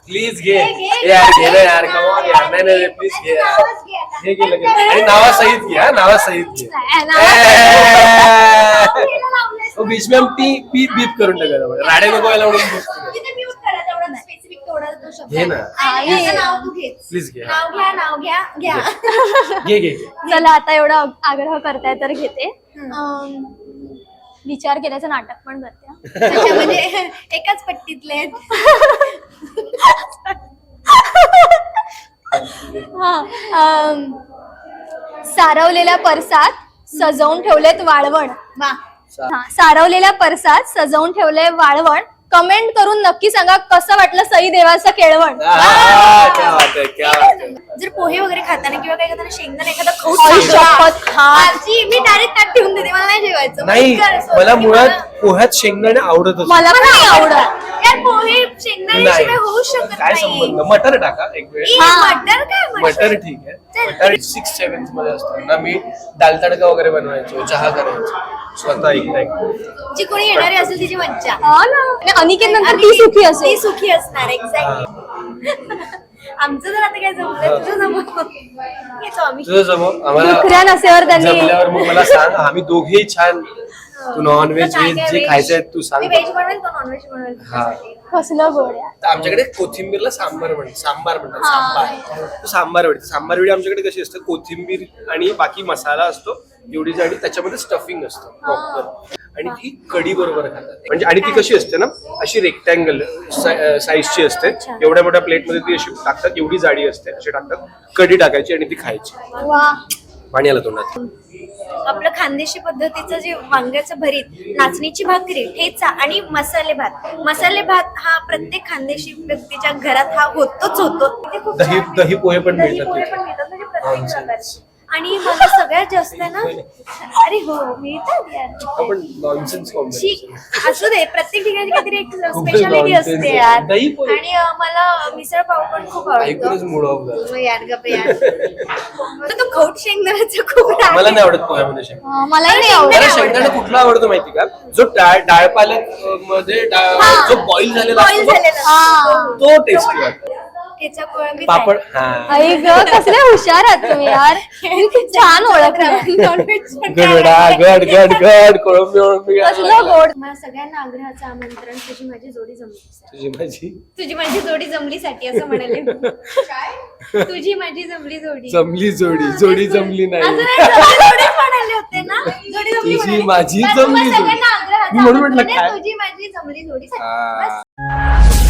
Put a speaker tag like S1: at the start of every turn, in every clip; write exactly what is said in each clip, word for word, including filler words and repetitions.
S1: Please घे यार, घे ना यार, कम ऑन यार, नाही नाही प्लीज घे यार, घे घे लगेच आणि नावासहित घे, हा नावासहित घे. तो बीच में हम पी पी बीप करून टाकायला राडे नको व्हायला म्हणून घे ना प्लीज घे,
S2: नाव घ्या नाव घ्या घ्या
S1: घे घे.
S3: चला आता एवढा आग्रह करताय तर घेते. अं, विचार केल्याचं नाटक पण करते.
S2: अच्छा, म्हणजे एकाच पट्टीतले आहेत.
S3: हा. अं, सारवलेल्या परसात सजवून ठेवलेत वाळवण.
S2: वा,
S3: हा, सारवलेल्या परसात सजवून ठेवले वाळवण. कमेंट करून नक्की सांगा कसं वाटलं सई देवाचं केळवण.
S1: आ, क्या बात है, क्या बात है.
S2: जर पोहे वगैरे खाताना किंवा काही खाताना शेंगदाणा एखादा खाऊ
S3: आई
S2: सांगा.
S3: शपथ, हा.
S2: आजी, मी डायरेक्ट ताट ठेवून देते, मला नाही जेवायचं.
S1: नाही
S2: पटकन असं
S1: मला
S2: होतं की
S1: मुळात
S2: मला-
S1: पोह्यात शेंगदाणे आवडतच
S3: मला पण नाही आवडत.
S2: यार पोहे शेंगदाण्याशिवाय होऊ शकत
S1: काय
S2: नाही.
S1: संबंध. मटर टाका एक वेळ,
S2: ई,
S3: हा.
S2: मटर काय
S1: मटर ठीक आहे. मटर सिक्स सेव्हन्थ मध्ये असताना मी दाल तडका वगैरे बनवायचो, चहा करायचो स्वतः एकटा एकटा.
S2: जी कोणी येणारी असेल तिची मज्जा.
S3: हा ना. आणि अनिकेत नंतर ती सुखी
S2: ती
S3: असेल.
S2: सुखी असणार. एक्झॅक्टली. आमचं जर आता काय जमलं, तुझं जमव येतो आम्ही.
S1: तुझं जमव आम्हाला
S3: दुखऱ्या नसेवर त्यांनी
S1: जमल्यावर मग मला सांग, आम्ही दोघेही छान. तू नॉन व्हेज
S2: काय
S1: व्हेज
S2: काय
S1: जे
S2: veg?
S1: खायचंय तू सांग.
S2: मी व्हेज बनवेल, तो नॉन व्हेज बनवेल
S1: हा.
S2: तुझ्यासाठी.
S3: कसलं गोड्या.
S1: तर आमच्याकडे कोथिंबीरला सांबार म्हणतात, सांबार म्हणतात, सांबार. तो सांबार वडी, सांबार वडी आमच्याकडे कशी असते, कोथिंबीर आणि बाकी मसाला असतो एवढी जाडी, त्याच्यामध्ये स्टफिंग असतं प्रॉपर, आणि ती कढी बरोबर खातात. म्हणजे आणि ती कशी असते ना, अशी रेक्टँगल साईजची असते. एवढ्या मोठ्या प्लेटमध्ये ती अशी टाकतात, एवढी जाडी असते, अशी टाकतात, कढी टाकायची आणि ती खायची.
S3: वा.
S1: पाणी आलं तोंडात.
S2: आपलं खानदेशी पद्धतीचं जे वांग्याचं भरीत, नाचणीची भाकरी, ठेचा आणि मसाले भात. मसाले भात हा प्रत्येक खानदेशी व्यक्तीच्या घरात हा होतोच होतो. ते खूप
S1: दही
S2: छान आहे.
S1: दही पोहे पण
S2: दही
S1: मिळतात
S2: पोहे
S1: तिथे.
S2: पण मिळतात, म्हणजे प्रत्येक प्रकारचे. आणि मला सगळ्यात जास्त ना, अरे हो मिळतात यार.
S1: आपण नॉनसेन्स कॉम्बिनेशन.
S2: ठीक, असू दे, प्रत्येक ठिकाणी काहीतरी एक
S1: खूपच
S2: स्पेशालिटी
S1: nonsense
S2: असते
S1: आहे.
S2: यार.
S1: दही पोहे.
S2: आणि अं, मला मिसळ पाव पण खूप
S1: ऐकूनच
S2: आवडतो.
S1: मूड ऑफ झाला.
S2: हो यार, गप्प यार. तर तो खौट शेंगदाण्याचा खूप राग
S1: मला
S2: आहे.
S1: नाही आवडत पोह्यामध्ये शेंगदाणे.
S3: अं, मलाही नाही आवडत.
S1: मला शेंगदाणा कुठला आवडतो माहिती का, जो डाळ डाळ पालक अं, मध्ये डाळ- जो बॉईल झालेला
S2: बॉईल
S1: असतो
S2: झालेला
S3: हा.
S1: तो टेस्टी वाटतो.
S2: ठेचा कोळंबी
S1: पापड हा
S3: आई ग कसले हुशार आहात तुम्ही यार. किती छान ओळखलं.
S1: गडा गड गड गड कोळंबी वळंबी
S3: कसलं गोड.
S2: मला सगळ्यांना आग्रहाचं आमंत्रण, तुझी माझी जोडी जमली.
S1: तुझी माझी
S2: तुझी माझी जोडी जमलीसाठी असं म्हणाले. तुझी माझी जमली जोडी.
S1: जमली जोडी जोडी जमली
S2: असं
S1: नाही.
S2: नाही, जमली जोडीच म्हणाले होते ना. जोडी जमली
S1: तुझी
S2: म्हणाले.
S1: माझी
S2: पण
S1: जमली
S2: तुम्हा
S1: जोडी.
S2: सगळ्यांना आग्रहाचं
S1: मी म्हणून म्हटलं
S2: आमंत्रण
S1: काय?
S2: आहे, तुझी माझी जमली जोडीसाठी.
S1: हा.
S2: बस.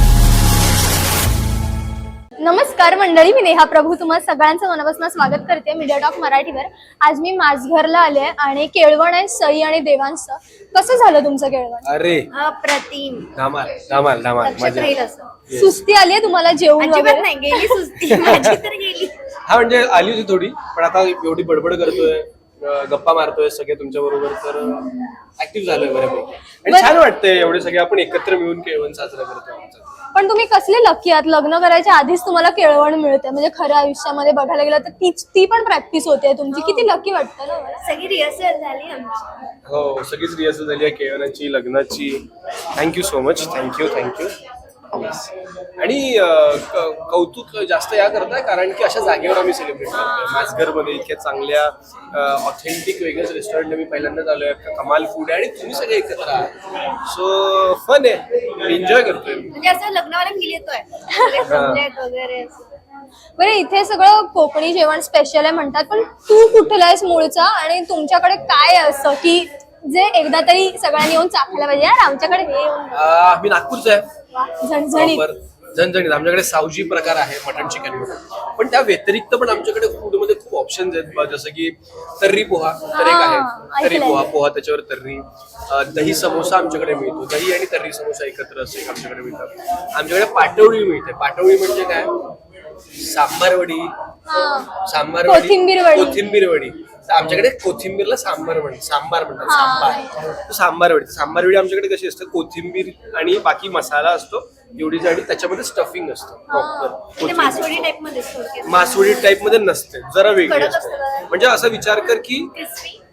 S3: नमस्कार मंडळी, मी नेहा प्रभू तुम्हा सगळ्यांचं मनापासून स्वागत करते मीडिया टॉक मराठीवर. आज मी माझघरला आले आणि केळवण आहे सई आणि देवांचं. कसं झालं तुमचं केळवण?
S1: अरे
S2: अप्रतिम.
S1: धमाल धमाल धमाल
S2: लक्षात
S1: मजा.
S2: राहील असं.
S3: सुस्ती आली तुम्हाला जेवण
S2: अजिबात
S3: वगैरे?
S2: नाही, गेली सुस्ती माझी तर गेली.
S1: हा म्हणजे आली होती थोडी, पण आता एवढी बडबड करतोय, अं, गप्पा मारतोय सगळे तुमच्या बरोबर, तर ऍक्टिव्ह झालोय बऱ्यापैकी. आणि छान वाटतंय एवढे सगळे आपण एकत्र मिळून केळवण साजरा करतोय आमचं.
S3: पण तुम्ही कसले लकी आहात, लग्न करायच्या आधीच तुम्हाला केळवण मिळते. म्हणजे खऱ्या आयुष्यामध्ये बघायला गेलं तर तीच ती पण प्रॅक्टिस होते तुमची. किती लकी वाटतं ना मला.
S2: सगळी रिहर्सल झाली आमची.
S1: हो, सगळीच रिहर्सल झाली आहे केळवणाची, लग्नाची. Thank you so much, thank you thank you. आणि अं, क- कौतुक जास्त या करताय कारण की अशा जागेवर आम्ही सेलिब्रेट करतोय. माझघरमध्ये इतक्या चांगल्या ऑथेंटिक वेगळ्याच रेस्टॉरंटला मी पहिल्यांदाच आलोय. कमाल फूड आहे आणि तुम्ही सगळे एकत्र आहात, सो फन आहे, एन्जॉय करतोय.
S2: म्हणजे असं लग्नावाला फील येतोय, सगळे जमलेत वगैरे असं.
S3: बरं, इथे सगळं कोकणी जेवण स्पेशल आहे म्हणतात, पण तू कुठला आहेस मूळचा आणि तुमच्याकडे काय आहे असं की जे एकदा तरी सगळ्यांनी येऊन चाखायला पाहिजे यार आमच्याकडे हे येऊन?
S1: अं, मी नागपूरचा आहे.
S3: झणझणीत.
S1: बरोबर. झणझणीत आमच्याकडे सावजी प्रकार आहे, मटन चिकन म्हणून. पण त्या व्यतिरिक्त पण आमच्याकडे फूड मध्ये खूप ऑप्शन्स आहेत ब- जसं की तर्री पोहा तर एक आहे,
S3: हा,
S1: तर्री
S3: ऐकलंय.
S1: पोहा पोहा त्याच्यावर तर्री. अं, दही समोसा आमच्याकडे मिळतो, दही आणि तर्री समोसा एकत्र असं एक आमच्याकडे मिळतात. आमच्याकडे पाटवडी मिळते. पाटवडी म्हणजे काय, सांबार वडी,
S3: हा.
S1: सांबार वडी,
S3: कोथिंबीर वडी.
S1: कोथिंबीर वडी. तर आमच्याकडे कोथिंबीरला सांबार म्हण सांबार म्हणतात, सांबार. तर सांबार वडी सांबार वडी आमच्याकडे कशी असते, कोथिंबीर आणि बाकी मसाला असतो एवढी जाडी, त्याच्यामध्ये स्टफिंग असतं
S2: ते
S1: प्रॉपर.
S2: मासवडी टाइप मध्ये थोडक्यात.
S1: मासवडी टाइप मध्ये नसते, जरा वेगळी
S2: कडक
S1: असते.
S2: असतं.
S1: म्हणजे असा विचार कर की
S2: क्रिस्पी.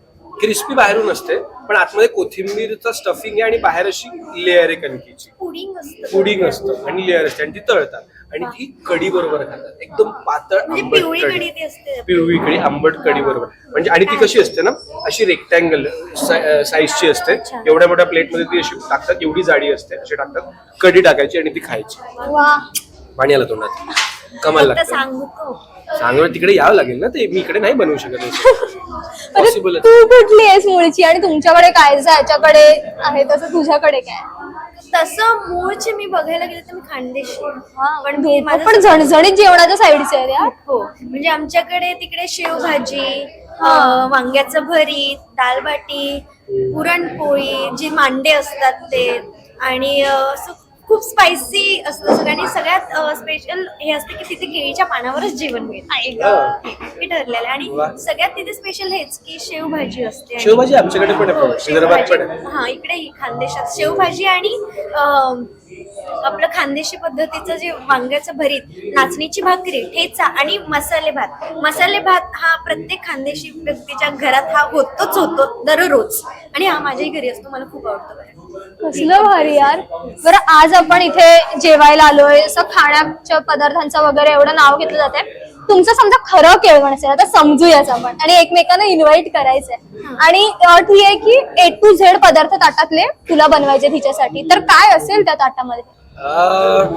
S1: क्रिस्पी बाहेरून असते पण आतमध्ये कोथिंबीरचा स्टफिंग आहे आणि बाहेर अशी लेअर आहे कणकीची,
S2: पुडिंग असतं.
S1: पुडिंग असतं आणि लेअर असते आणि ती तळतात आणि ती कढी बरोबर खातात. एकदम पातळ
S2: म्हणजे
S1: आंबट
S2: पिवळी
S1: कढी,
S2: कढी ती असते.
S1: पिवळी कढी आंबट कढी बरोबर. म्हणजे आणि ती कशी असते ना, अशी रेक्टँगल साईजची असते. एवढ्या मोठ्या प्लेटमध्ये ती अशी टाकतात, एवढी जाडी असते, अशी टाकतात, कढी टाकायची आणि ती खायची.
S3: वा
S1: पाणी आलं तोंडात, कमाल
S2: फक्त
S1: लागतं.
S2: सांगतो
S1: सांगू तिकडे यावं लागेल ना, ते मी इकडे नाही बनवू शकत. पॉसिबल
S3: तू कुठली आहेस मूळची आणि तुमच्याकडे काय जसं याच्याकडे आहे तसं तुझ्याकडे काय?
S2: तसं मूळचे मी बघायला गेले तर मी खानदेशी आहे. पण मी माझं
S3: पण झणझणीत जेवणाच्या साईडचे आहे यार.
S2: हो म्हणजे आमच्याकडे तिकडे शेवभाजी, अं, वांग्याचं भरीत, दाल बाटी, पुरणपोळी, जी मांडे असतात ते, आणि अं, असं खूप स्पायसी असतं सगळं. आणि सगळ्यात स्पेशल हे असते की तिथे केळीच्या पानावरच जेवण मिळतं, हे ठरलेलं आहे.
S1: वा.
S2: आणि सगळ्यात तिथे स्पेशल हेच की शेवभाजी असते. आणि-
S1: शेवभाजी आमच्याकडे पण
S2: हो,
S1: आहे, विदर्भात पण
S2: शेवभाजी.
S1: आहे.
S2: हा इकडे ही खानदेशात शेवभाजी आणि अं, आपलं खानदेशी पद्धतीचं जे वांग्याचं भरीत, नाचणीची भाकरी, ठेचा आणि मसाले भात. मसाले भात हा प्रत्येक खानदेशी व्यक्तीच्या घरात हा होतोच होतो दररोज, आणि हा माझ्याही घरी असतो. मला खूप आवडतो बरं.
S3: कसलं भारी यार. बरं आज आपण इथे जेवायला आलोय, असं खाण्याच्या पदार्थांचं वगैरे एवढं नाव घेतलं जाते. तुमचं समजा खरं केळवण असेल, आता समजूयाच आपण, आणि एकमेकांना इन्व्हाइट करायचंय आणि अट ही आहे की ए टू झेड पदार्थ ताटातले तुला बनवायचे तिच्यासाठी, तर काय असेल त्या ताटामध्ये?
S1: अं,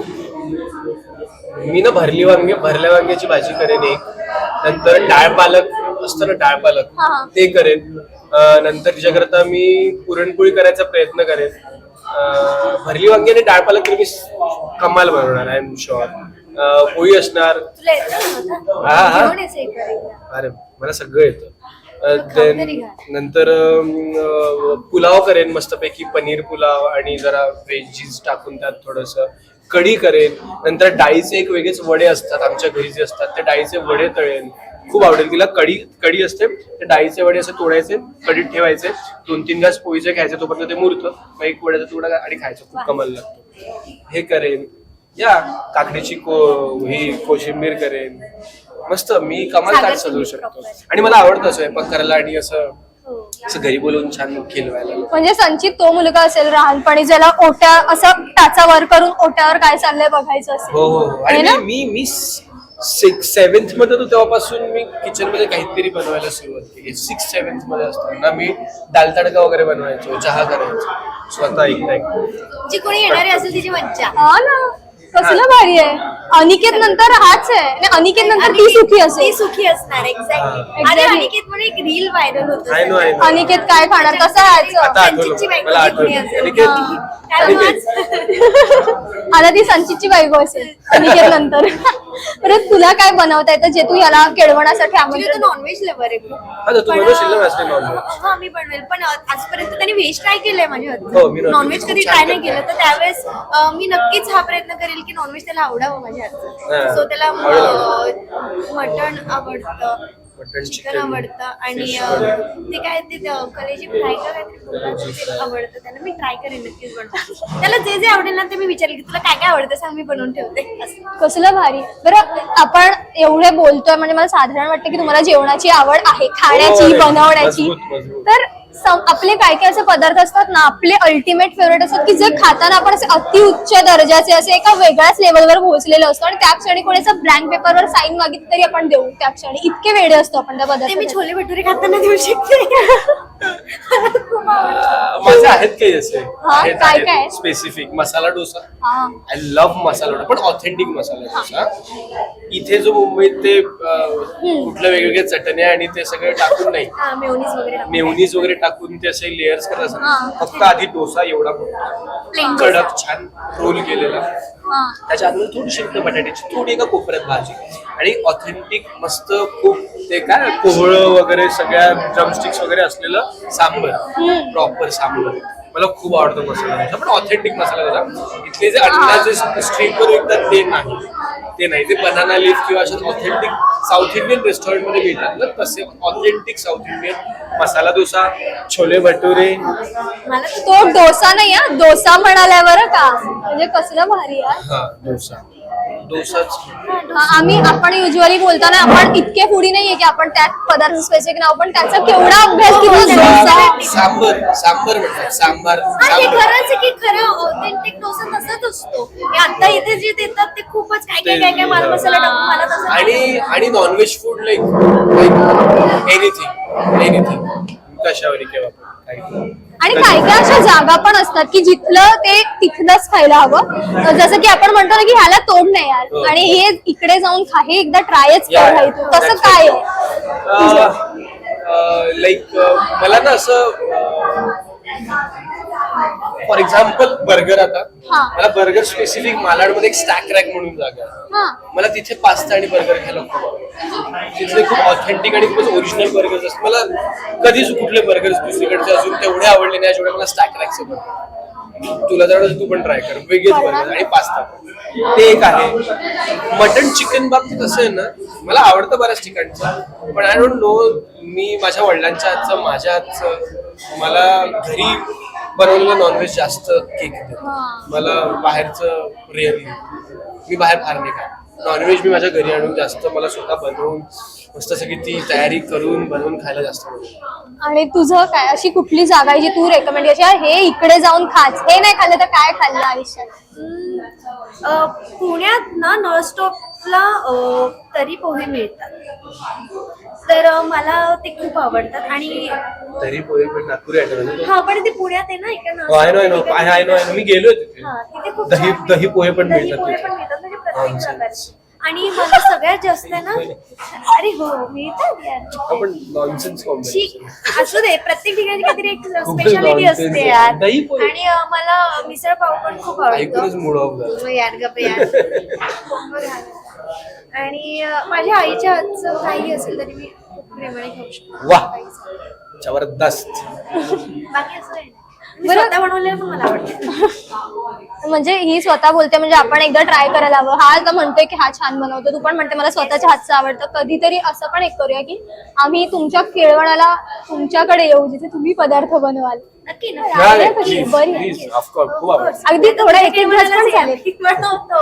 S1: मी ना भरली वांगे भरल्या वांग्याची भाजी करेन एक, नंतर डाळ पालक असतं ना, डाळ पालक
S3: हा, हा.
S1: ते करेन. अं, नंतर तिच्याकरता मी पुरणपोळी करायचा प्रयत्न करेन. अं, भरली वांगी आणि डाळ पालक तरी मी कमाल बनवणार, आय एम शुअर. पोळी असणार.
S2: तुला येतं ना
S1: हा, हा.
S2: आता? घेऊन यायचं एक वेळेला.
S1: अरे मला सगळं येतं. अं,
S2: खाऊ
S1: then
S2: तरी घाल.
S1: नंतर अं, पुलाव करेन मस्तपैकी, पनीर पुलाव आणि जरा व्हेजीज टाकून त्यात थोडस कढी करेन. नंतर डाळीचे एक वेगळेच वडे असतात आमच्या घरी जे असतात, ते डाळीचे वडे तळेन. खूप आवडेल तिला. कढी कढी असते, ते डाळीचे वडे असे तोडायचे, कढीत ठेवायचे, दोन तीन घास पोळीचे खायचे, तोपर्यंत ते मुरतं, मग एक वड्याचा तुकडा आणि खायचं. खूप कमाल लागतो. हे करेन. या काकडीची को ही कोशिंबीर करेन. मस्त मी कमाल ताट सजवू शकतो. आणि मला आवडतं स्वयंपाक करायला आणि असं
S2: हो.
S1: असं घरी बोलवून छान खिलवायला.
S3: म्हणजे संचित तो मुलगा असेल लहानपणी ज्याला ओट्या असं टाचा वर करून ओट्यावर काय चाललंय बघायचं असेल.
S1: हो हो.
S3: आहे
S1: आणि
S3: ना?
S1: मी मी सिक्स सेव्हन्थ मध्ये होतो तेव्हापासून मी किचन मध्ये काहीतरी बनवायला सुरुवात केली. सिक्स सेव्हन्थ मध्ये असताना मी दाल तडका वगैरे बनवायचो, चहा करायचो स्वतः एकटा एकटा.
S2: जी कोणी येणारी असेल तिची मज्जा.
S3: हा ना, कसलं भारी आहे. अनिकेत नंतर हाच आहे आणि अनिकेत नंतर ती सुखी
S2: ती
S3: असेल.
S2: सुखी असणार. एक्झॅक्टली.
S3: Exactly.
S2: अरे अनिकेत म्हणून एक रील व्हायरल होत
S1: I know, I know.
S3: Aniket काय खाणार, कसं राहायचं.
S1: आता आठवलं, मला आठवलं. अनिकेत,
S3: आता ती संचितची बायको असेल अनिकेत नंतर. परत तुला काय बनवता येतं जे तू याला केळवणासाठी आमंत्रण?
S2: नॉनव्हेज लवर आहे खूप.
S1: हा तर तू
S2: पण,
S1: बनवशील ना माझ्यासाठी नॉनव्हेज?
S2: हा मी बनवेल, पण आजपर्यंत त्यांनी व्हेज ट्राय केलंय माझ्या
S1: हो, मी
S2: हातचं.
S1: non-veg
S2: नॉनव्हेज कधी
S1: खूप छान
S2: ट्राय नाही
S1: करते.
S2: केलं, तर त्यावेळेस अं, मी नक्कीच हा प्रयत्न करेल की नॉनव्हेज त्याला आवडावं माझ्या हातचं.
S1: हा.
S2: सो त्याला
S1: आवडेल,
S2: मटण आवडतं,
S1: मटण,
S2: चिकन
S1: chicken,
S2: आवडतं, आणि
S1: fish
S2: अं,
S1: वगैरे.
S2: ते काय ते अं, कलेजी फ्राय का काहीतरी बोलतात, ते आवडतं त्यांना. मी ट्राय करेन नक्कीच बनवून. त्याला जे जे आवडेल ना ते मी विचारेल की तुला काय काय आवडतं सांग, मी बनवून ठेवते असं.
S3: कसलं भारी. बरं आपण एवढे बोलतोय म्हणजे मला साधारण वाटतं की तुम्हाला जेवणाची आवड आहे, खाण्याची,
S1: हो,
S3: बनवण्याची.
S1: मजबूत, मजबूत.
S3: तर सम- आपले काय काय असे पदार्थ असतात ना, आपले अल्टिमेट फेवरेट असतात की जे खाताना आपण असे अतिउच्च दर्जाचे असे एका वेगळ्याच लेवलवर पोहोचलेलो असतो, आणि त्या क्षणी कोणी असं ब्लँक पेपरवर साईन मागितली तरी आपण देऊ त्या क्षणी. इतके वेडे असतो आपण त्या
S2: ते मी
S3: पदार्थ.
S2: छोले भटुरे खाताना देऊ शकते. खूप आवडतं.
S1: माझे आहेत काही असे
S3: हा, काय काय?
S1: स्पेसिफिक. मसाला डोसा,
S3: हा.
S1: आय लव्ह मसाला डोसा, पण ऑथेंटिक मसाला डोसा. इथे जो मुंबईत ते अं, कुठल्या वेगवेगळ्या चटण्या आणि ते सगळं टाकून नाही,
S2: हा, मेयोनीज वगैरे टाकून.
S1: मेवनीज वगैरे टाकून ते असे लेअर्स करत
S3: हा.
S1: असतात. फक्त आधी डोसा एवढा
S2: Plain
S1: मोठा, कडक छान रोल केलेला,
S3: हा.
S1: त्याच्या आतमध्ये थोडी शिफ्ट बटाट्याची, थोडी एका कोपऱ्यात भाजी, आणि ऑथेंटिक मस्त खूप ते काय कोहळं वगैरे सगळ्या ड्रमस्टिक्स वगैरे असलेलं सांबर, प्रॉपर सांबर. मला खूप आवडतो मसाला डोसा, पण ऑथेंटिक मसाला डोसा. इथले जे अंदाजे स्ट्रीटवर विकतात ते नाही, ते नाही ते बनाना लीफ किंवा अशा ऑथेंटिक साऊथ इंडियन रेस्टॉरंट मध्ये मिळतात ना, तसे authentic South Indian masala dosa, chole bhature.
S2: मला
S3: तो डोसा नाही हा, डोसा म्हणाल्या बरं का, म्हणजे कसलं भारी यार.
S1: हा डोसा. डोसाच.
S3: आम्ही आपण युजली बोलताना आपण इतके फुडी नाहीये की आपण त्यात पदार्थ स्पेसिफिक नाव, पण त्याचा केवढा अभ्यास केला
S1: सांबार सांबार सांबार म्हणतात सांबार
S2: हा, हे
S1: सांबार.
S2: खरंच आहे की खरं ऑथेंटिक डोसा तसाच असतो. हे आता इथे जे देतात ते खूपच काय काय काय काय माल मसाला टाकून मला तसं
S1: आणि आणि non veg food like like anything anything कशावर केव्हा काही.
S3: आणि काय काय अशा जागा पण असतात की जिथलं ते तिथलंच खायला हवं. जसं की आपण म्हणतो ना की ह्याला तोड नाही
S1: हो.
S3: यार, आणि हे इकडे जाऊन खा, हे एकदा ट्रायच
S1: या,
S3: कर
S1: या.
S3: तू. तसं काय आहे?
S1: लाईक मला ना असं फॉर एक्झाम्पल बर्गर, आता
S3: हा.
S1: मला बर्गर स्पेसिफिक मालाडमध्ये एक स्टॅक रॅक म्हणून जागा आहे.
S3: हा.
S1: मला तिथे पास्ता आणि बर्गर खायला खूप आवडतं. तिथले खूप ऑथेंटिक आणि खूपच ओरिजिनल बर्गर्स असतात. मला कधीच कुठले बर्गर्स दुसरीकडचे अजून तेवढे आवडले नाही जेवढे मला स्टॅक रॅकचे बर्गर. तुला जर तू पण ट्राय कर, वेगळेच बर्गर आणि पास्ता ते एक आहे. मटन चिकन बाबतीत कसं आहे ना, मला आवडतं बऱ्याच ठिकाणचं, पण आय डोंट नो, मी माझ्या वडिलांच्या हातचं माझ्या हातचं मला घरी बनवलेलं नॉनव्हेज जास्त केक देतं. मला बाहेरचं रेअरली, मी बाहेर फार नाही खात. नॉनव्हेज मी माझ्या घरी आणून जास्त मला स्वतः बनवून मस्त सगळी ती तयारी करून बनवून खायला जास्त आवडतं.
S3: आणि तुझं काय अशी कुठली जागा आहे जी तू रेकमेंड करशील, यार हे इकडे जाऊन खाच, हे नाही खाल्लं तर काय खाल्लं आयुष्यात?
S2: अं, पुण्यात ना नॉनस्टॉपला तरी पोहे मिळतात, तर अं, मला ते खूप आवडतात. आणि
S1: तरी पोहे पण नागपुरी आयटम.
S2: हा, पण ते पुण्यात आहे ना इकडे
S1: I know I know I I know I know मी गेलोय तिथे.
S2: हा, तिथे खूप
S1: दही
S2: छान
S1: दही पोहे पण
S2: दही
S1: मिळतात
S2: पोहे
S1: तिथे.
S2: पण मिळतात, म्हणजे प्रत्येक
S1: Nonsense.
S2: प्रकारचे. आणि मला सगळ्यात जास्त आहे ना, अरे हो मिळतात यार.
S1: आपण नॉनसेन्स
S2: शी,
S1: कॉम्बिनेशन.
S2: असू दे, प्रत्येक ठिकाणी काहीतरी एक
S1: खूप
S2: स्पेशालिटी
S1: nonsense
S2: असते
S1: आहे.
S2: यार.
S1: दही पोहे.
S2: आणि अं, मला मिसळ पाव पण खूप
S1: ऐकूनच
S2: आवडतो.
S1: मूड ऑफ झाला.
S2: यार गप यार. आणि अं, माझ्या आईच्या हातचं काही असेल तरी मी खूप प्रेमाने खाऊ शकतो.
S1: वाह. जबरदस्त.
S2: बाकी असं आहे मी
S3: बरं.
S2: स्वतः बनवलेलं पण मला आवडतं.
S3: म्हणजे ही स्वतः बोलते, म्हणजे आपण एकदा ट्राय करायला हवं. हा आता म्हणतोय की हा छान बनवतो, तू पण म्हणते मला स्वतःच्या हातचं आवडतं. कधीतरी असं पण एक करूया की आम्ही तुमच्या केळवणाला तुमच्याकडे येऊ, जिथे तुम्ही पदार्थ बनवाल.
S2: नक्की ना.
S1: नाही,
S3: आहे
S1: नाही,
S3: कशी?
S1: please,
S3: बरी आहे.
S1: please, of course, खूप आवडतं.
S3: अगदी थोडा एक एक ग्लास पण चालेल.
S2: बनवतो.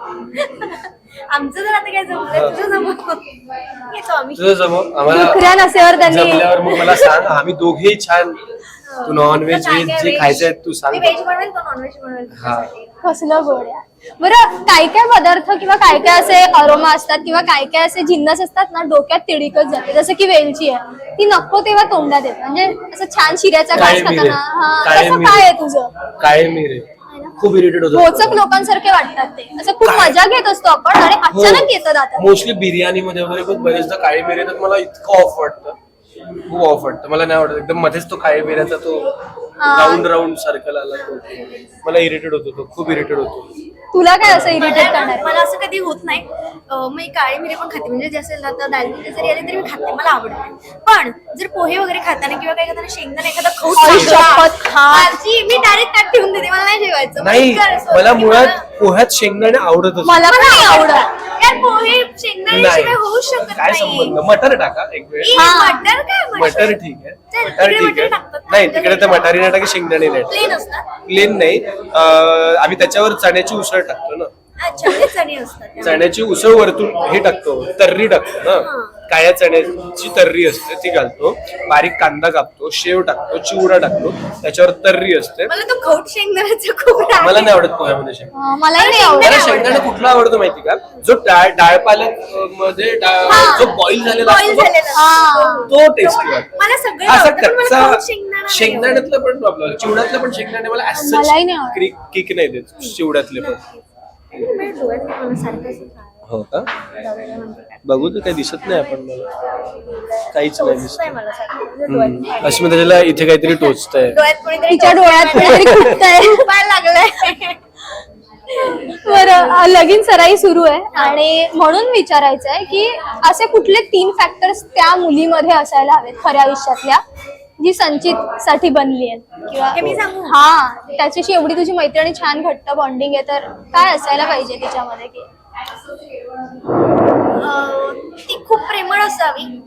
S2: आमचं जर आता काय जमलं, तुझं जमव. येतो आम्ही.
S1: तुझं जमव आम्हाला.
S3: नोकऱ्या नसेवर त्यांनी
S1: जमल्यावर मग मला सांग, आम्ही दोघेही छान. तू नॉन व्हेज व्हेज जे खायचंय तू सांग.
S2: व्हेज बनवेल, तो नॉन व्हेज बनवेल.
S1: हा.
S3: कसलं गोड आहे. बरं, काय काय पदार्थ किंवा काय काय असे अरोमा असतात किंवा काय काय असे जिन्नस असतात ना, डोक्यात तिडीकच जाते. जसं की वेलची आहे, ती नको तेव्हा तोंडात येते. म्हणजे असं छान शिऱ्याचा घास
S1: काळे मिरे.
S3: खाताना. हा,
S1: काळे
S3: तसं
S1: मिरे.
S3: काय आहे तुझं?
S1: काळे मिरे खूप इरिटेट
S3: भोचक
S1: होतं.
S3: लोकांसारखे वाटतात ते. असं खूप
S1: काय?
S3: मजा घेत असतो आपण आणि अचानक येतं दातात.
S1: मोस्टली बिर्याणी मध्ये वगैरे पण बरेचदा काळे मिरे येतात. मला इतकं ऑफ वाटतं, खूप ऑफ वाटतं. मला नाही आवडत. एकदम मध्येच तो काळे मिऱ्याचा तो राऊंड राऊंड सर्कल आला तो मला इरिटेट होतो. तो खूप इरिटेट होतो.
S3: तुला काय असं इरिटेट करणार?
S2: मला मला असं कधी होत नाही. अं, मी काळी मिरी पण खाते, म्हणजे जे असेल ना तर दालमिरी जरी आली तरी मी खाते, मला आवडते. पण जर पोहे वगैरे खाताना किंवा काही खाताना शेंगदाणा एखादा खाऊ
S3: आई
S2: सांगला,
S3: शपथ, खा.
S2: माझी मी डायरेक्ट ताट ठेवून देते, मला नाही जेवायचं.
S1: नाही,
S2: इतकं असं
S1: मला
S2: होतं की
S1: मुळात
S2: मला-
S1: पोह्यात शेंगदाणे आवडतच
S3: मला पण नाही आवडत.
S2: यार पोहे शेंगदाण्याशिवाय होऊ शकत
S1: काय
S2: नाही.
S1: संबंध. मटर टाका एक वेळ.
S2: ई,
S3: हा.
S2: मटर काय
S1: मटर ठीक आहे.
S2: चल,
S1: मटर
S2: तिकडे
S1: ठीक
S2: मटर
S1: आहे.
S2: टाकतात ना.
S1: नाही, तिकडे तर मटारी नाही टाकी, शेंगदाणे नाही
S2: प्लेन असतात.
S1: प्लेन नाही. अं, आम्ही त्याच्यावर चण्याची उसळ टाकतो ना.
S2: अच्छा, ते चणे असतात त्यामध्ये.
S1: चण्याची उसळ वरतून हे टाकतो, तर्री टाकतो ना. काळ्या चण्याची तर्री असते ती घालतो. बारीक कांदा कापतो, शेव टाकतो, चिवडा टाकतो, त्याच्यावर तर्री असते.
S2: मला तो खौट शेंगदाण्याचा खूप राग
S1: मला
S2: आहे.
S1: नाही आवडत पोह्यामध्ये शेंगदाणे.
S3: हा, मलाही नाही आवडत.
S1: मला शेंगदाणे कुठला आवडतो माहिती का? जो डाळ डाळ पालक अं, मध्ये डाळ-
S2: हा.
S1: जो बॉईल झालेला
S2: Boil
S1: असतो
S2: झालेला
S1: बघ,
S3: हा.
S1: तो टेस्टी वाटतो.
S2: मला सगळे
S1: असा
S2: आवडतं, पण मला खौट शेंगदाणा
S1: कच्चा
S2: नाही
S1: शेंगदाण्यातलं पण प्रॉब्लेम, चिवड्यातलं पण शेंगदाणे मला as such
S3: मलाही नाही आवडत.
S1: किक किक नाही देत चिवड्यातले पण.
S2: आवडत. माझ्या डोळ्यात मला सारखं असं खायला
S1: हो का? बघू तर काही दिसत नाही आपण मला काहीच नाही दिसत.
S2: टोचतंय मला सारखं. म्हणजे डोळ्यात
S1: हम्म. अश्मी त्याच्याला इथे काहीतरी टोचतंय.
S2: डोळ्यात कोणीतरी
S3: तिच्या डोळ्यात काहीतरी खुपतंय.
S2: टोचायला लागलंय.
S3: बरं, अ, लगीन सराई सुरू आहे आणि म्हणून विचारायचं आहे की असे कुठले तीन फॅक्टर्स त्या मुलीमध्ये असायला हवेत खऱ्या आयुष्यातल्या, जी संचित साठी बनली आहे किंवा
S2: हे मी सांगू?
S3: हा, त्याच्याशी एवढी तुझी मैत्रिणी छान घट्ट बॉन्डिंग आहे, तर काय असायला पाहिजे तिच्यामध्ये? की
S2: अं, ती खूप प्रेमळ असावी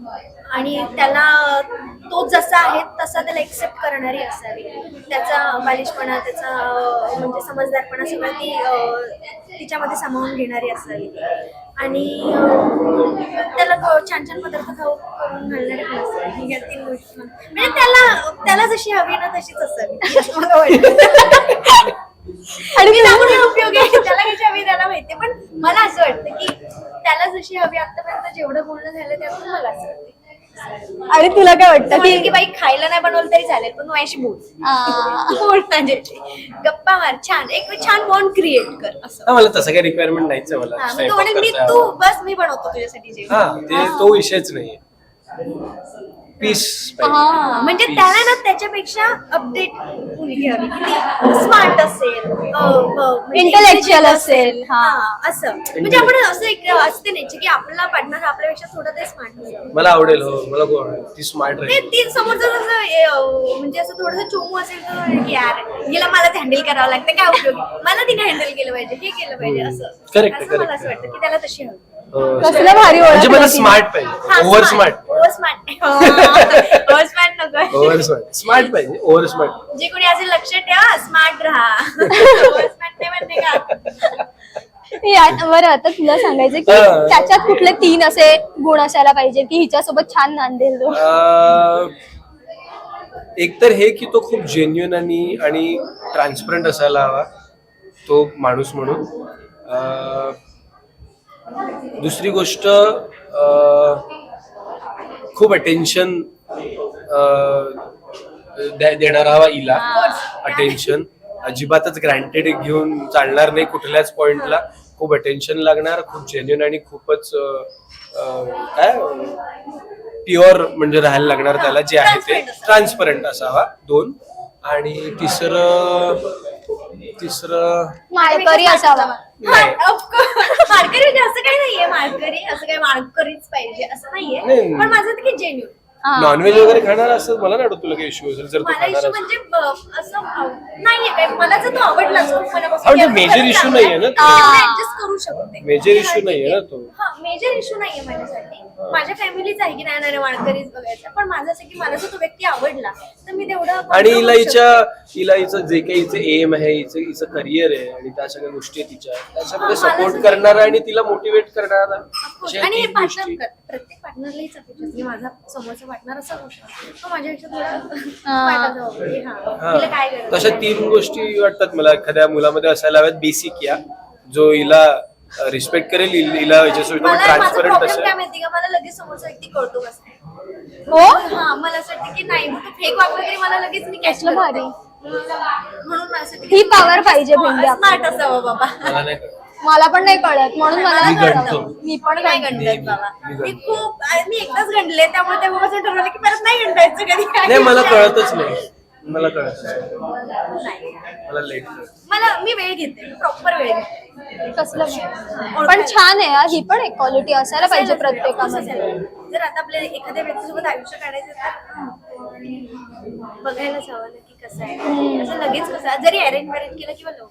S2: आणि त्याला तो जसा आहे तसा त्याला एक्सेप्ट करणारी असावी. त्याचा बालिशपणा, त्याचा अं, म्हणजे समजदारपणा सगळं ती अं, तिच्यामध्ये सामावून घेणारी असावी. आणि अं, त्याला ग- छान छान पदार्थ खाऊ करून घालणारी पण असावी. या तीन गोष्टी म्हणजे त्याला त्याला जशी हवी ना तशीच असावी असं मला वाटतं. आणि मी सांगून काय उपयोग आहे, त्याला कशी हवी त्याला माहितीये. पण मला असं वाटतं की त्याला जशी हवी आतापर्यंत जेवढं बोलणं झालं त्यातून मला असं वाटतं.
S3: आणि तुला काय वाटतं
S2: म्हणेल की
S3: की
S2: बाई खायला नाही बनवलं तरी चालेल पण माझ्याशी बोल.
S3: आ,
S2: बोल माझ्याशी, गप्पा मार, छान एक छान बॉन्ड क्रिएट कर असं.
S1: हा, मला तसं काही रिक्वायरमेंट नाहीच आहे मला
S2: हा, मग तो
S1: स्वयंपाक
S2: म्हणेल मी
S1: करता.
S2: तू बस मी बनवतो तुझ्यासाठी जेवण.
S1: हा ते तो विषयच नाहीये. पीस
S3: हा.
S2: म्हणजे त्याला ना त्याच्यापेक्षा अपडेट मुलगी हवी की ती स्मार्ट असेल, अ, अ, म्हणजे
S3: Intellectual
S2: intelligent
S3: असेल. हा.
S2: हा, असं म्हणजे आपण असं एक असते नाही की आपला पार्टनर आपल्यापेक्षा थोडं ते स्मार्ट असेल.
S1: मला आवडेल. हो मला खूप आवडेल. ती स्मार्ट
S2: ते
S1: राहील.
S2: ती समोरचं जसं ए, अ, म्हणजे असं थोडंसं चोमू असेल तर म्हणेल की यार हिला मलाच हँडल करावं लागतं, काय उपयोग, मला तिने हँडल केलं पाहिजे, हे केलं पाहिजे असं.
S1: Correct,
S2: असं मला
S1: correct.
S2: असं वाटतं की त्याला तशी हवी.
S1: हो.
S3: कसलं भारी ओळख
S1: म्हणजे मला
S3: होती.
S1: स्मार्ट पाहिजे. Over smart.
S2: Over smart over smart नको.
S1: Over smart. स्मार्ट पाहिजे. Over smart.
S2: जे कोणी असेल लक्ष ठेवा, स्मार्ट राहा. ओव्हर स्मार्ट नाही म्हणते का.
S3: या- बरं आता तुला सांगायचं की
S1: हा.
S3: त्याच्यात कुठले तीन असे गुण असायला पाहिजे की हिच्यासोबत छान नांदेल तो.
S1: अं, एक तर हे की तो खूप जेन्युन आणि आणि ट्रान्सपरंट असायला हवा तो माणूस म्हणून. अं, दुसरी गोष्ट अं, खूप अटेन्शन देणारा हवा हिला. अटेन्शन अजिबातच ग्रँटेड घेऊन चालणार नाही कुठल्याच पॉइंटला. खूप अटेन्शन लागणार, खूप जेन्युन आणि खूपच अं, अं, काय प्युअर म्हणजे राहायला लागणार त्याला जे आहे ते. ट्रान्सपरंट असावा. दोन. आणि तिसरं तिसरं
S3: माळकरी असावा.
S1: नाही.
S2: माळकरी म्हणजे असं काही नाहीये, माळकरी असं काही माळकरीच पाहिजे असं नाहीये.
S1: नाही.
S2: पण माझं ते जेन्युन.
S3: हा.
S1: नॉनव्हेज वगैरे खाणार असं मला नाही वाटत तुला काही इश्यू असेल जर तो
S2: मला
S1: खाणार
S2: इश्यू
S1: असेल.
S2: म्हणजे ब- असं अ- नाहीये काय, मला जर तो आवडलाच खूप मनापासून
S1: हा, म्हणजे
S2: की
S1: major
S2: खरंच
S1: issue
S2: चांगला
S1: नाहीये ना
S2: आहे,
S1: तो.
S2: मी adjust करू शकते.
S1: Major
S2: हा,
S1: issue
S2: ठीक
S1: नाहीये
S2: आहे.
S1: ना तो.
S2: हा, मेजर इश्यू नाहीये माझ्यासाठी. माझ्या फॅमिलीच आहे की नाही नाही माळकरीच बघायचं. पण माझं असं की मला जर तो व्यक्ती आवडला तर मी तेवढं
S1: आणि
S2: control
S1: हिला
S2: करू
S1: हिच्या
S2: शकते.
S1: हिला हिचं जे काही हिचं एम आहे, हिचं हिचं करिअर आहे आणि त्या सगळ्या गोष्टी आहेत तिच्या त्याच्यामध्ये
S2: हा, मला
S1: सपोर्ट
S2: सुद्धा-
S1: करणारा आणि तिला मोटिवेट करणारा
S2: Of course.
S1: अशा
S2: आणि
S1: तीन
S2: पार्टनर
S1: गोष्टी.
S2: प्रत्येक पार्टनरला हीच अपेक्षा असते की माझा समोरचा पार्टनर असा होऊ शकतो, तो माझ्यापेक्षा थोडा
S3: हा.
S2: smart असावा. की हा,
S1: हा.
S2: तिला काय गरज
S1: तशा
S2: आहे.
S1: तीन गोष्टी वाटतात मला एखाद्या मुलामध्ये असायला हव्यात. बेसिक या जो हिला रिस्पेक्ट करेल, हिला हिला हिच्यासोबत
S2: मला माझा
S1: ट्रान्सपरंट
S2: प्रॉब्लेम
S1: असेल.
S2: काय माहिती का, मला लगेच समोरचा व्यक्ती कळतो कसं आहे.
S3: हो
S2: हा, मला असं वाटतं की नाही मग तो फेक वागला तरी मला लगेच मी कॅच
S3: कसलं भारी.
S2: म्हणून मला असं वाटतं
S3: ही
S2: की
S3: power पाहिजे भेंडी आपल्याला.
S2: स्मार्ट असावं बाबा.
S1: मला नाही कळत.
S3: मला पण नाही कळत म्हणून मला
S1: मी
S3: कळतं.
S1: गणतो.
S3: मी पण
S2: नाही
S3: गणते.
S2: गणतात बाबा.
S1: मी
S2: मी
S1: गणतो.
S2: खूप मी एकदाच गणले त्यामुळे तेव्हापासून ठरवलं की परत नाही गणतायचं कधी.
S1: नाही मला कळतच नाही. मला कळत
S2: नाही.
S1: मला लेट कळत.
S2: मला मी वेळ घेते, प्रॉपर वेळ घेते.
S3: कसलं भारी. पण छान आहे हा. ही पण एक क्वालिटी असायला पाहिजे प्रत्येकामध्ये.
S2: जर आता आपल्या एखाद्या व्यक्तीसोबत आयुष्य काढायचं तर बघायलाच हवं ना की कसं आहे. असं लगेच कसं, जरी अरेंज मॅरेज केलं किंवा लव्ह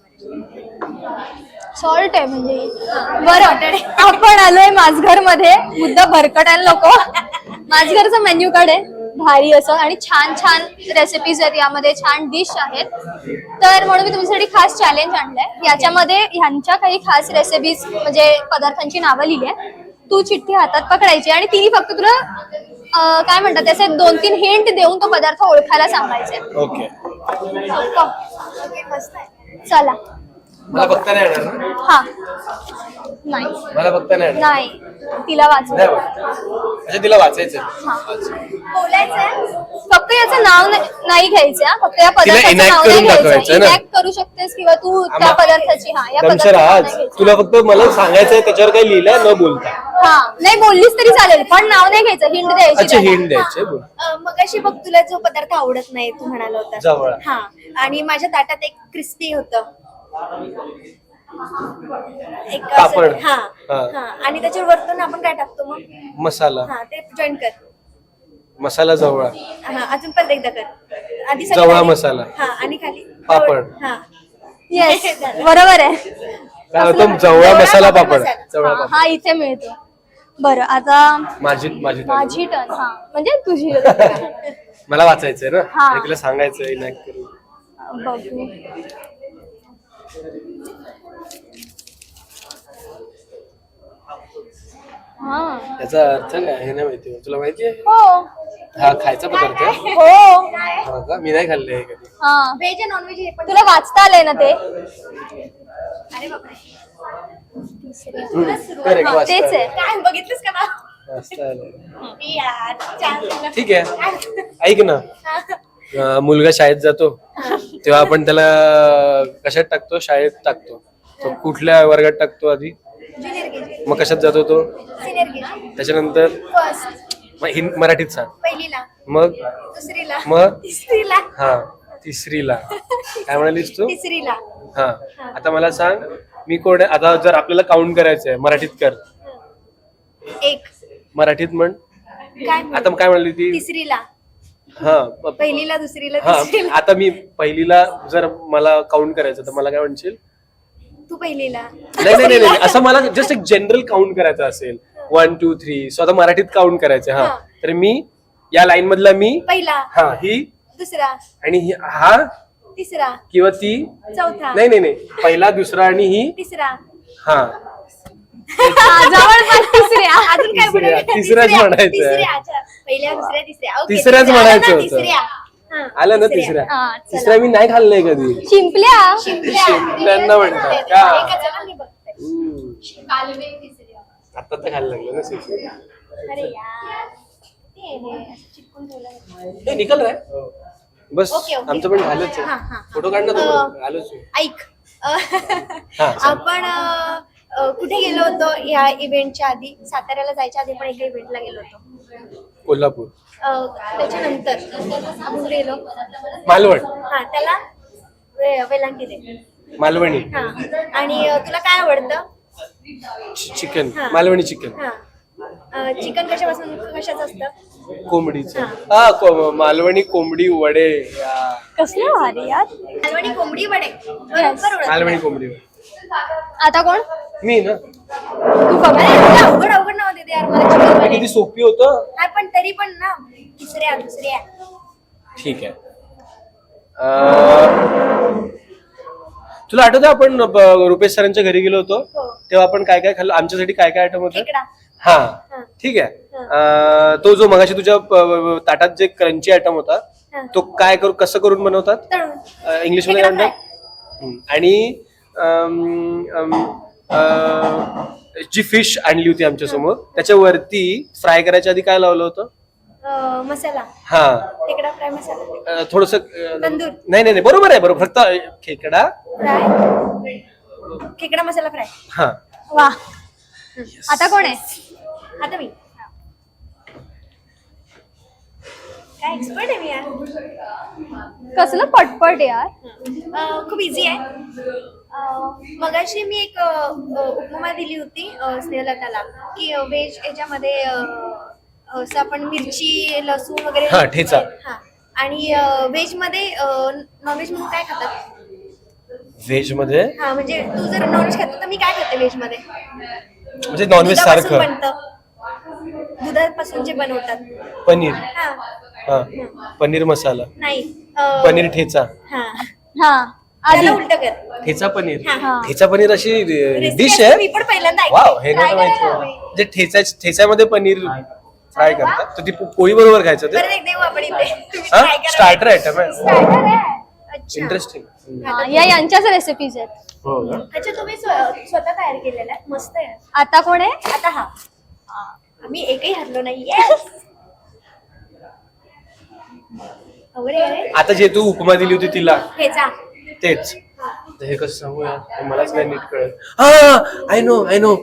S2: मॅरेज.
S3: सॉल्ट आहे म्हणजे. बरं आपण आलोय माझघर मध्ये. मुद्दा भरकटायला नको. माझघरचा मेन्यू कार्ड आहे भारी असं आणि छान छान रेसिपीज आहेत यामध्ये, छान डिश आहेत. तर म्हणून मी तुमच्यासाठी खास चॅलेंज आणलंय. याच्यामध्ये ह्यांच्या काही खास रेसिपीज म्हणजे पदार्थांची नावं लिहिली आहेत. तू चिठ्ठी हातात पकडायची आणि तिने फक्त तुला अं, काय म्हणतात त्याचे दोन तीन हिंट देऊन तो पदार्थ ओळखायला सांगायचे.
S1: ओके.
S2: ओके, मस्त आहे.
S3: चला.
S1: मला बघता नाही येणार ना?
S3: हा. नाही
S1: मला बघता नाही येणार.
S3: नाही तिला वाचू.
S1: नाही बघ. अच्छा तिला वाचायचं.
S2: बोलायचंय.
S3: फक्त याचं नाव नाही नाही घ्यायचं हा. फक्त या पदार्थाचं
S1: enact
S3: नाव नाही
S1: करून दाखवायचं
S3: घ्यायचं.
S1: ना?
S3: इनॅक्ट करू शकतेस किंवा तू त्या पदार्थाची हा या
S1: दमसर
S3: पदार्थाचं नाव
S1: आज
S3: नाही घ्यायचं.
S1: तुला फक्त मला सांगायचंय त्याच्यावर काही लिहिलंय न बोलता.
S3: हा नाही बोललीस तरी चालेल पण नाव नाही घ्यायचं. हिंट द्यायची
S1: अच्छा
S3: त्याला.
S1: हिंट द्यायचे बोल.
S2: मगाशी बघ तुला जो पदार्थ आवडत नाही तू म्हणाला होता
S1: जवळ.
S2: हा, आणि माझ्या ताटात एक क्रिस्पी होतं एक असं-
S1: पापड.
S2: हा
S1: हा.
S2: हा, आणि त्याच्यावर वरतून आपण काय टाकतो मग,
S1: मसाला.
S2: हा ते जॉईन कर.
S1: मसाला जवळा.
S2: हा, अजून परत एकदा कर. आधी सगळं
S1: जवळा
S2: खाली.
S1: मसाला.
S2: हा, आणि खाली
S1: पापड.
S2: हा.
S3: येस बरोबर आहे.
S1: काय होतं जवळा मसाला पापड. जवळा
S3: हा,
S1: पापड.
S3: हा इथे मिळतो. बरं आता
S1: माझी माझी turn.
S3: माझी टर्न हा म्हणजे तुझी
S1: मला वाचायचंय ना
S3: हा.
S1: आणि तुला सांगायचंय इनॅक्ट करून.
S3: बघू हा
S1: त्याचा अर्थ काय हे नाही माहिती तुला माहिती आहे
S3: हो
S1: हा खायचा पदार्थ आहे?
S3: हो
S1: हा का मी नाही खाल्ले कधी.
S3: हा
S2: व्हेज आणि नॉनव्हेज हे पण
S3: तुला वाचता आलंय ना ते
S2: अरे बापरे
S1: Correct,
S3: हा,
S1: वाचता
S3: तेच आहे
S1: आलं.
S2: काय बघितलंस का ना
S1: वाचता आलं.
S2: यार चांगलं.
S1: ठीक आहे ऐक ना अं, मुलगा शाळेत जातो तेव्हा आपण त्याला कशात टाकतो शाळेत टाकतो तो कुठल्या वर्गात टाकतो आधी
S2: ज्युनियर केजी
S1: मग कशात जातो तो
S2: सिनियर केजी
S1: त्याच्यानंतर
S2: फर्स्ट
S1: मग हिं- मराठीत सांग
S2: पहिलीला
S1: मग
S2: दुसरीला
S1: मग?
S2: तिसरीला
S1: हा तिसरीला काय म्हणालीस तू
S2: तिसरीला
S1: हा आता मला सांग मी कोण आहे? आता जर आपल्याला काउंट करायचंय मराठीत कर
S2: एक
S1: मराठीत म्हण
S2: काय म्हणू?
S1: आता काय म्हणली ती
S2: तिसरीला
S1: हा प-
S2: पहिलीला दुसरीला
S1: हा
S2: तिसरीला
S1: आता मी पहिलीला जर मला काउंट करायचं तर मला काय म्हणशील
S2: तू पहिलीला
S1: नाही नाही नाही नाही. असं मला जस्ट एक जनरल काउंट करायचं असेल वन टू थ्री सो आता मराठीत काउंट करायचं हा
S2: हा.
S1: तर मी या लाईन मधला मी
S2: पहिला
S1: हा ही
S2: दुसरा
S1: आणि ही हा
S2: तिसरा
S1: किंवा ती
S2: चौथा
S1: नाही नाही नाही पहिला दुसरा आणि ही
S2: तिसरा
S1: हा
S3: हा, जवळपास तिसऱ्या
S2: अजून काय
S1: तिसऱ्या-
S2: म्हणायचं?
S1: तिसऱ्याच
S2: तिसऱ्या,
S1: म्हणायचं.
S2: तिसऱ्या, अच्छा. पहिल्या दुसऱ्या तिसऱ्या ओके,
S1: तिसऱ्याच
S2: तिसऱ्या.
S1: म्हणायचं
S2: आलं ना,
S1: होतं.
S2: तिसऱ्या. हा,
S1: आलं ना तिसऱ्या
S3: हा, चला.
S1: तिसऱ्या मी नाही खाल्लंय कधी
S3: शिंपल्या
S2: शिंपल्या.
S1: शिंपल्यांना म्हणतात का?
S2: एकाचं ना मी बघते.
S1: हम्म. आता तर खायला लागलं ना शिक्षण.
S2: अरे यार ते हे असं चिटकून ठेवलं आहे.
S1: हे निकल रे बस
S2: ओके, ओके.
S1: आमचं पण झालंच
S2: हा, हा,
S1: आहे
S2: हा.
S1: फोटो काढ ना
S2: अं,
S1: तो आलोच आहे.
S2: ऐक अ,
S1: हा, सांग.
S2: आपण अ, अ, कुठे गेलो होतो या इव्हेंटच्या आधी साताऱ्याला जायच्या आधी पण एका इव्हेंटला गेलो होतो
S1: कोल्हापूर
S2: अ, त्याच्यानंतर आपण कुठे गेलो
S1: मालवण
S2: हा त्याला वे- वेलांटी दे
S1: मालवणी
S2: हा आणि अ, तुला काय आवडतं
S1: चिकन
S2: हा.
S1: मालवणी चिकन
S2: हा चिकन कशापासून कशाचं असतं
S1: कोंबडीचं हा को- मालवणी कोंबडी वडे या.
S3: कसलं भारी यार
S2: मालवणी कोंबडी वडे बरोबर ओळखलं.
S1: मालवणी कोंबडी वडे.
S3: आता कोण
S1: मी ना
S3: तू बघ
S2: अरे, एवढं अवघड अवघड नाव देते यार मला चिकन
S1: हे
S2: वडे
S1: किती सोपी होतं
S2: हा पण तरी पण ना तिसऱ्या दुसऱ्या
S1: ठीक आहे अं, तुला आठवतं आपण ब- रुपेश सरांच्या घरी गेलो होतो
S2: हो
S1: तेव्हा आपण काय काय खाल्लं आमच्यासाठी काय काय आयटम होतं
S2: खेकडा
S1: हा
S2: हा.
S1: ठीक आहे अं, तो जो मगाशी तुझ्या प- ताटात जे क्रंची आयटम होता
S2: हा.
S1: तो काय करू कसं करून बनवतात
S2: तळून
S1: इंग्लिश मध्ये काय
S2: खेकडा
S1: म्हणतात हम्म. आणि अम, अम, अं, जी फिश आणली होती आमच्या समोर त्याच्यावरती फ्राय करायच्या आधी काय लावलं होतं
S2: अ, मसाला
S1: हा
S2: खेकडा फ्राय मसाला
S1: थोडस
S2: तंदूर.
S1: नाही नाही नाही, बरोबर आहे बरोबर फक्त खेकडा
S2: फ्राय खेकडा मसाला फ्राय
S1: हा
S3: वा आता कोण आहे
S2: आता मी काय एक्सपर्ट आहे मी यार
S3: कसलं पटपट यार
S2: अ, खूप इझी आहे अ, मगाशी मी एक अ, अ, उपमा दिली होती अ, स्नेहलताला की व्हेज याच्यामध्ये अ, असं आपण मिरची लसूण वगैरे
S1: हा, ठेचा.
S2: हा आणि व्हेज मध्ये नॉनव्हेज म्हणून काय खातात
S1: व्हेज मध्ये
S2: हा म्हणजे तू जर नॉनव्हेज खातो तर मी काय खाते व्हेज मध्ये
S1: म्हणजे नॉनव्हेज
S2: दुधापासून
S1: सारखं
S2: बनतं दुधापासून जे बनवतात
S1: पनीर
S2: हा
S1: हा पनीर मसाला
S2: नाही अ,
S1: पनीर ठेचा
S2: हा
S3: हा आधी
S2: त्याला उलट कर
S1: ठेचा पनीर
S2: हा,
S3: हा.
S1: ठेचा पनीर अशी
S2: Recipe
S1: डिश
S2: असते,
S1: आहे
S2: मी पण पहिल्यांदा ऐकते.
S1: वाव हे
S2: Try
S1: नव्हतं माहिती
S2: करायला
S1: मला.
S2: हवी.
S1: म्हणजे ठेचा ठेच्यामध्ये पनीर फ्राय करतात तर ती पो- पोळी बरोबर खायचं ते
S2: परत एक देऊ आपण इथे तुम्ही
S1: हा
S2: try करा.
S1: स्टार्टर आयटम आहे
S2: Starter आहे. अच्छा.
S1: इंटरेस्टिंग
S3: हा, या यांच्याच रेसिपीज आहेत
S1: हो का
S2: अच्छा तुम्ही स्व- स्वतः तयार केलेला आहे मस्त आहे
S3: आता कोण आहे
S2: आता हा आम्ही एकही हरलो नाही Yes. अवघड आहे रे.
S1: आता जे तू उपमा दिली होती तिला
S2: ठेचा
S1: तेच तर हे कसं सांगू यार हे मलाच नाही नीट कळत हा आय नो आय नो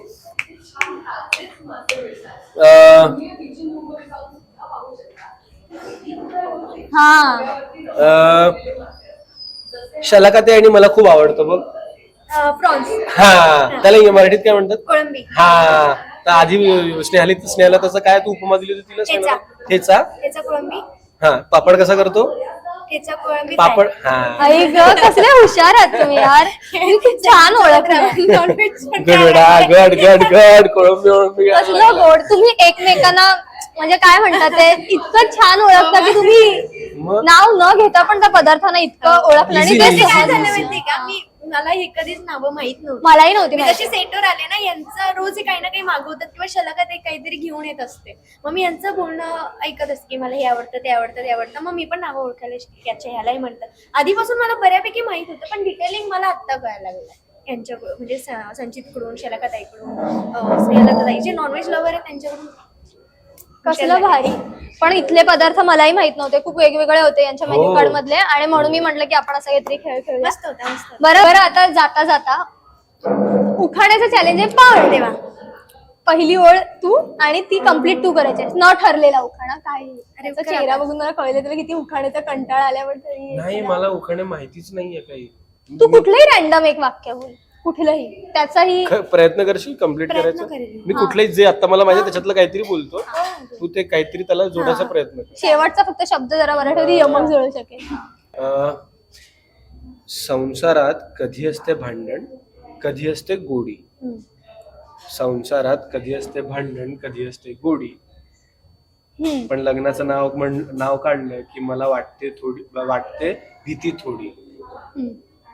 S3: हा
S1: शलाकाते आणि मला खूप आवडतं बघ
S2: प्रॉन्स
S1: हा त्याला मराठीत काय म्हणतात
S2: कोळंबी
S1: हा तर आधी स्नेहाली स्नेहाला तसं काय तू उपमा दिली होती तिला
S2: ठेचा.
S1: ठेचा
S2: ठेचा कोळंबी
S1: हा पापड कसा करतो
S2: ठेचा कोळंबी
S1: पापड हा
S3: आई ग कसले हुशार आहात तुम्ही यार तुम्ही खूप छान ओळखलं
S2: नॉनव्हेज
S1: गडबडा गड गड गड कोळंबी ओळंबी
S3: कसलं गोड तुम्ही एकमेकांना म्हणजे काय म्हणतात ते इतकं छान ओळखता की तुम्ही
S1: मग?
S3: नाव न घेता पण त्या पदार्थांना इतकं ओळखलं आणि
S1: Easy,
S3: ते
S1: easy,
S2: काय
S3: सहज-
S2: झालं माहितीये का मी मला हे कधीच नावं माहित नव्हती
S3: मलाही नव्हती
S2: मी
S3: माहिती.
S2: जशी सेटवर आले ना यांचं रोज हे काही ना काही मागवतात किंवा शलकात एक काहीतरी घेऊन येत असते मग मी यांचं बोलणं ऐकत असते की मला हे आवडतं ते आवडतं ते आवडतं मग मी पण नावं ओळखायला शिकले याच्या ह्यालाही म्हणतात आधीपासून मला बऱ्यापैकी माहित होतं पण डिटेलिंग मला आत्ता कळायला लागलं यांच्याकडून म्हणजे स- संचितकडून शलकाताईकडून स्नेहलताई जे नॉनव्हेज लवर आहे त्यांच्याकडून
S3: कसलं भारी पण इथले पदार्थ मलाही माहित नव्हते खूप वेगवेगळे होते यांच्या
S1: हो.
S3: मेन्यू कार्ड मधले आणि म्हणून मी म्हटलं की आपण असं काहीतरी खेळ खेळूया
S2: मस्त होता मस्त होता.
S3: बरं बरं आता जाता जाता उखाण्याचं चॅलेंज आहे पाव
S2: तेव्हा
S3: पहिली ओळ तू आणि ती कम्प्लीट तू करायची न ठरलेला उखाणा काय
S2: अरे
S3: त्याचा
S2: उखाणा
S3: चेहरा
S2: का?
S3: बघून मला कळलं तुला किती उखाण्याचा कंटाळा आल्यावर तरी
S1: नाही मला उखाणे माहितीच नाहीये काही
S3: तू कुठलंही रॅन्डम एक वाक्य बोल कुठलंही त्याचाही
S1: ख- प्रयत्न करशील कम्प्लीट
S2: प्रयत्न
S1: करायचा
S2: करेन.
S1: मी कुठलंही जे आता मला माहिती त्याच्यातलं काहीतरी बोलतो तू ते काहीतरी त्याला जोडायचा प्रयत्न कर
S3: शेवटचा फक्त शब्द जरा मराठीमध्ये यमक जुळू शकेल
S1: अं, संसारात कधी असते भांडण कधी असते गोडी
S3: हम्म.
S1: संसारात कधी असते भांडण कधी असते गोडी
S3: हम्म.
S1: पण लग्नाचं नाव म्हण नाव काढलं की मला वाटते थोडी वाटते भीती थोडी
S3: हम्म.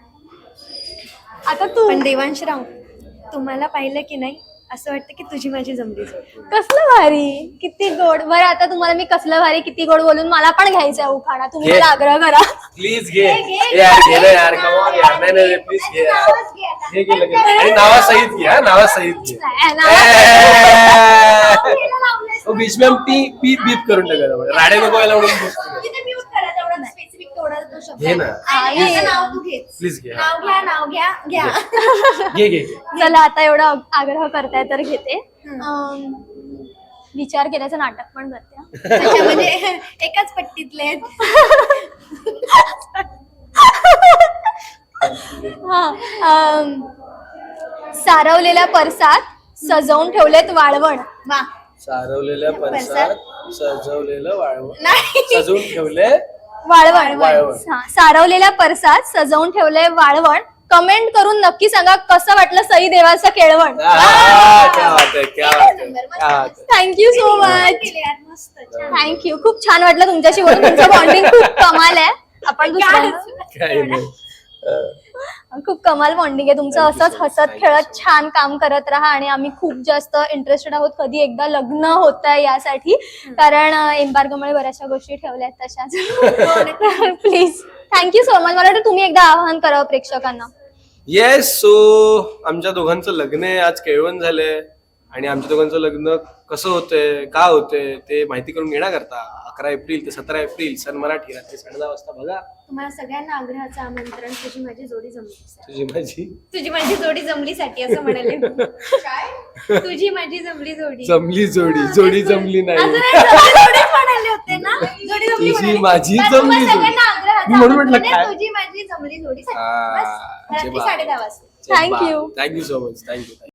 S3: आता तू
S2: पण देवांशराव तुम्हाला पाहिलं की नाही असं वाटतं की तुझी माझी जमली जोड.
S3: कसलं भारी किती गोड बरं आता तुम्हाला मी कसलं भारी किती गोड बोलून मला पण घ्यायचं आहे उखाणा तुम्ही
S1: घे.
S3: मला आग्रह करा
S1: प्लीज घे
S2: घे, घे,
S1: यार
S2: घे,
S1: घे ना यार
S2: घे.
S1: कमॉन यार नाही नाही प्लीज घे यार.
S2: नावच घे आता.
S1: घे घे लगेच आणि नावासहित घे हा नावासहित घे
S3: नाही, नाव-
S2: घ्यायला लावलंयस
S1: ओ, बीच में हम पी पीप बीप करून टाकायला राडे नको व्हायला म्हणून बसतो.
S2: तिथे mute करा तेवढं specific तेवढा तो शब्द
S1: घे ना.
S2: आहे. नाही, याचं नाव तू घेच.
S1: प्लीज घे हा.
S2: नाव घ्या नाव घ्या घ्या
S1: घे घे
S3: चला आता एवढा आग्रह करताय तर घेते अं, विचार केल्याचं नाटक पण करते हा.
S2: अच्छा, म्हणजे एकाच पट्टीतले आहेत.
S3: हा अं, सारवलेल्या परसात सजवून ठेवलेत वाळवण
S2: वा
S1: सारवलेल्या परसात सजवलेलं वाळवण
S2: नाही
S1: सजवून ठेवले
S3: वाळवण
S1: वाळवण.
S3: हा, सारवलेल्या परसात सजवून ठेवले वाळवण कमेंट करून नक्की सांगा कसं वाटलं सई देवाचं केळवण
S1: आहा, क्या बात है क्या बात है
S2: नंबर, मस्त,
S1: क्या बात
S2: मस्त.
S1: है
S3: थँक्यू सो मच
S2: केले यार, मस्त छान.
S3: थँक्यू खूप छान वाटलं तुमच्याशी बोलून तुमचं बॉन्डिंग खूप कमाल आहे आपण दुसऱ्यांदा
S1: काय नाही अं,
S3: खूप कमाल बॉन्डिंग आहे तुमचं
S1: Thank you
S3: असंच
S1: so much.
S3: हसत
S1: Thank you
S3: खेळत
S1: so
S3: छान काम करत राहा आणि आम्ही खूप जास्त इंटरेस्टेड आहोत कधी एकदा लग्न होत आहे यासाठी कारण एम्बार्गोमुळे बऱ्याचशा गोष्टी ठेवल्यात तशाच प्लीज थँक्यू सो मच मला वाटतं तुम्ही एकदा आवाहन करावं प्रेक्षकांना
S1: येस सो आमच्या दोघांचं लग्न आहे आज केळवण झालंय आणि आमच्या दोघांचं लग्न कसं होतंय का होतंय ते माहिती करून घेण्याकरता अकरा एप्रिल ते सतरा एप्रिल सन मराठी रात्री साडे दहा वाजता बघा
S2: तुम्हाला सगळ्यांना आग्रहाचं आमंत्रण तुझी माझी जोडी जमली
S1: तुझी माझी
S2: तुझी माझी जोडी जमलीसाठी असं म्हणाले काय तुझी माझी जमली जोडी
S1: जमली जोडी जोडी जमली
S2: असं
S1: नाही
S2: नाही, जोडी- जोडीच म्हणाले होते ना जोडी जमली
S1: तुझी
S2: म्हणाले.
S1: माझी
S2: बरं,
S1: जमली
S2: तुम्हाला
S1: जोडी.
S2: सगळ्यांना आग्रहाचं
S1: मी म्हणून म्हटलं
S2: आमंत्रण
S1: काय?
S2: आहे, तुझी माझी जमली जोडी
S1: हा,
S2: रात्री
S1: जेव्हा-
S2: साडे दहा वाजता
S3: Thank you.
S1: Thank you so much thank you